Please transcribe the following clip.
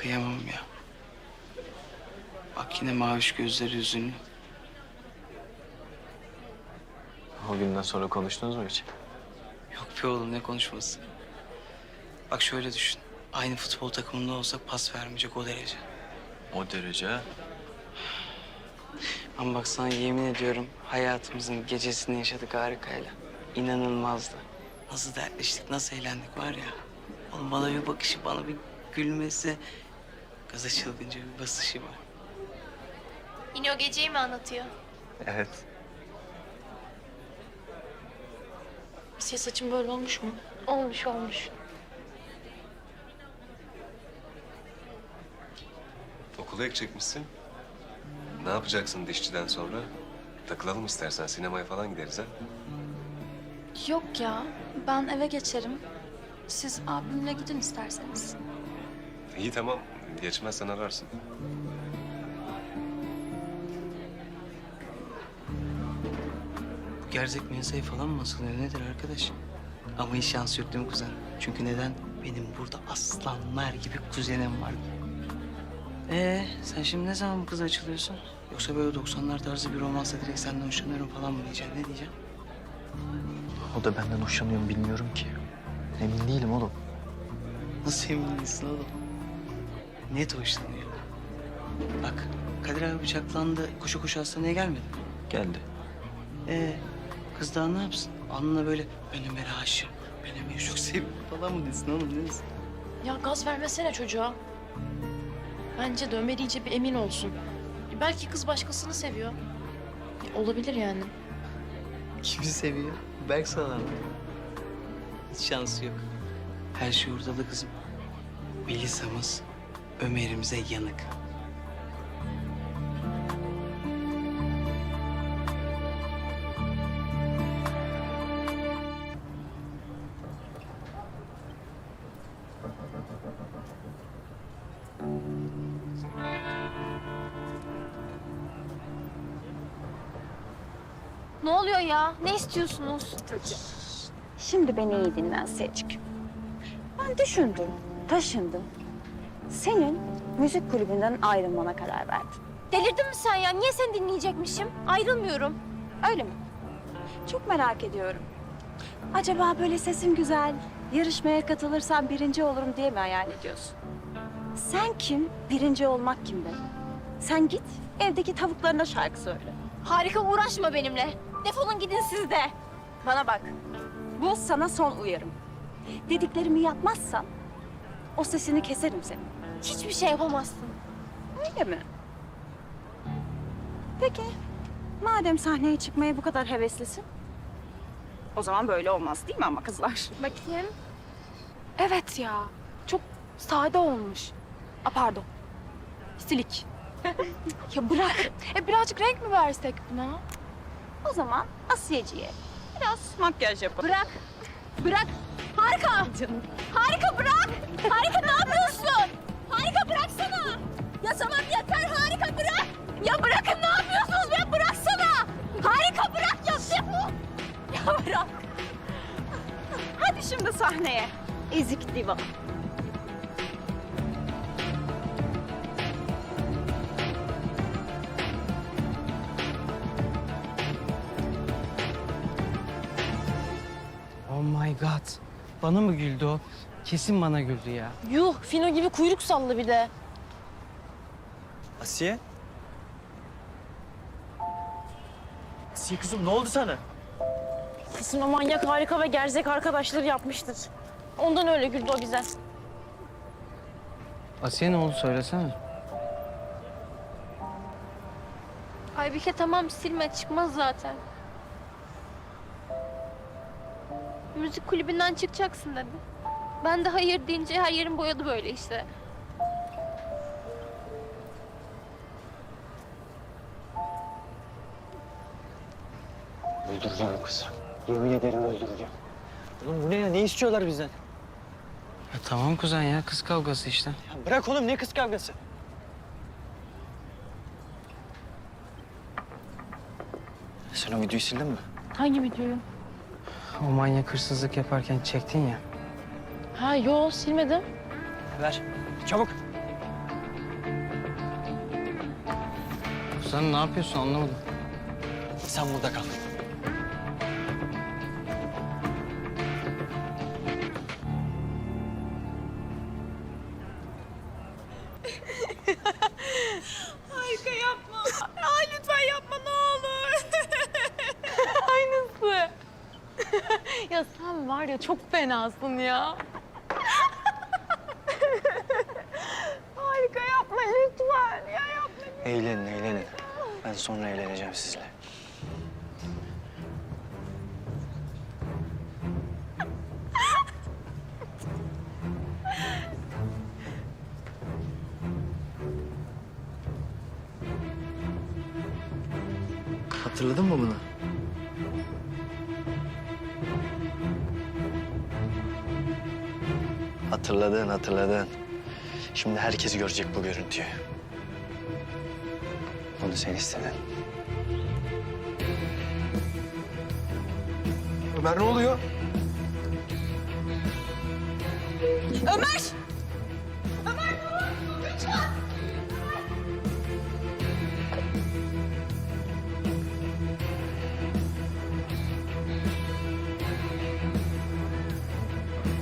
Kıyamam ya. Bak yine maviş gözleri hüzünlü. O günden sonra konuştunuz mu hiç? Yok be oğlum, ne konuşması. Bak şöyle düşün. Aynı futbol takımında olsak pas vermeyecek o derece. O derece ha? Ama bak sana yemin ediyorum hayatımızın gecesini yaşadık harikayla. İnanılmazdı. Nasıl dertleştik, nasıl eğlendik var ya. Oğlum bana bir bakışı, bana bir gülmesi. Gaza çılgınca bir basışı var. Yine o geceyi mi anlatıyor? Evet. Asiye, saçım böyle olmuş mu? Olmuş olmuş. Okula ek çekmişsin. Ne yapacaksın dişçiden sonra? Takılalım istersen, sinemaya falan gideriz ha. Yok ya, ben eve geçerim. Siz abimle gidin isterseniz. İyi tamam, geçmezsen ararsın. Bu gerzek mensayı falan mı asılıyor nedir arkadaş? Ama hiç şans yok değil mi kuzen? Çünkü neden? Benim burada aslanlar gibi kuzenim var. Sen şimdi ne zaman bu kıza açılıyorsun? Yoksa böyle 90'lar tarzı bir romansa direkt senden hoşlanıyorum falan mı diyeceksin? Ne diyeceksin? O da benden hoşlanıyor mu bilmiyorum ki. Emin değilim oğlum. Nasıl emin değilsin oğlum? Net hoşlanıyor. Bak Kadir abi bıçaklandı, koşu koşu hastaneye gelmedi mi? Geldi. Kız daha ne yapsın? Alnına böyle ben Ömer'e aşığım, ben Ömer'i çok seviyorum falan mı desin oğlum, ne desin? Ya gaz vermesene çocuğa. Bence de Ömer iyice bir emin olsun. Belki kız başkasını seviyor. Olabilir yani. Kimi seviyor? Berk Salan mı? Hiç şansı yok. Her şey ortada kızım. Melisa'mız Ömer'imize yanık. Ne oluyor ya? Ne istiyorsunuz? Şimdi beni iyi dinle Asya'cık. Ben düşündüm, taşındım. Senin müzik kulübünden ayrılmana karar verdim. Delirdin mi sen ya? Niye seni dinleyecekmişim? Ayrılmıyorum. Öyle mi? Çok merak ediyorum. Acaba böyle sesim güzel, yarışmaya katılırsam birinci olurum diye mi hayal ediyorsun? Sen kim, birinci olmak kim be? Sen git, evdeki tavuklarına şarkı söyle. Harika, uğraşma benimle. Defolun gidin siz de. Bana bak, bu sana son uyarım. Dediklerimi yapmazsan o sesini keserim senin. Hiçbir şey yapamazsın. Öyle mi? Peki, madem sahneye çıkmaya bu kadar heveslisin, o zaman böyle olmaz değil mi ama kızlar? Bakayım. Evet ya, çok sade olmuş. Pardon, silik. Ya bırak, birazcık renk mi versek buna? O zaman Asiyeci'ye biraz makyaj yapalım. Bırak. Bırak. Harika. Harika bırak. Harika ne yapıyorsun? Harika bıraksana. Ya tamam yeter, harika bırak. Ya bırakın, ne yapıyorsunuz be? Bıraksana. Harika bırak ya, defol. Ya bırak. Hadi şimdi sahneye. Ezik diva. Oh my god. Bana mı güldü o? Kesin bana güldü ya. Yuh, Fino gibi kuyruk salladı bir de. Asiye? Asiye kızım ne oldu sana? Kesin o manyak harika ve gerzek arkadaşları yapmıştır. Ondan öyle güldü o bize. Asiye ne oldu söylesene. Aybike tamam, silme, çıkmaz zaten. Müzik kulübünden çıkacaksın dedi. Ben de hayır deyince her yerim boyadı böyle işte. Öldüreceğim o kızı. Yemin ederim öldüreceğim. Oğlum bu ne ya? Ne istiyorlar bizden? Ya tamam kuzen ya, kız kavgası işte. Ya bırak oğlum, ne kız kavgası? Sen o videoyu sildin mi? Hangi videoyu? O manyak hırsızlık yaparken çektin ya. Ha yo, silmedim. Ver. Çabuk. Sen ne yapıyorsun anlamadım. Sen burada kal. Harika yapma. Ay lütfen yapma ne olur. Aynısı. Ya sen var ya çok fenasın ya. Harika yapma lütfen. Ya yapma. Eğlenin, eğlenin. Ben sonra eğleneceğim sizle. Hatırladın mı bunu? Hatırladın, hatırladın. Şimdi herkes görecek bu görüntüyü. Bunu sen istedin. Ömer ne oluyor? Ömer!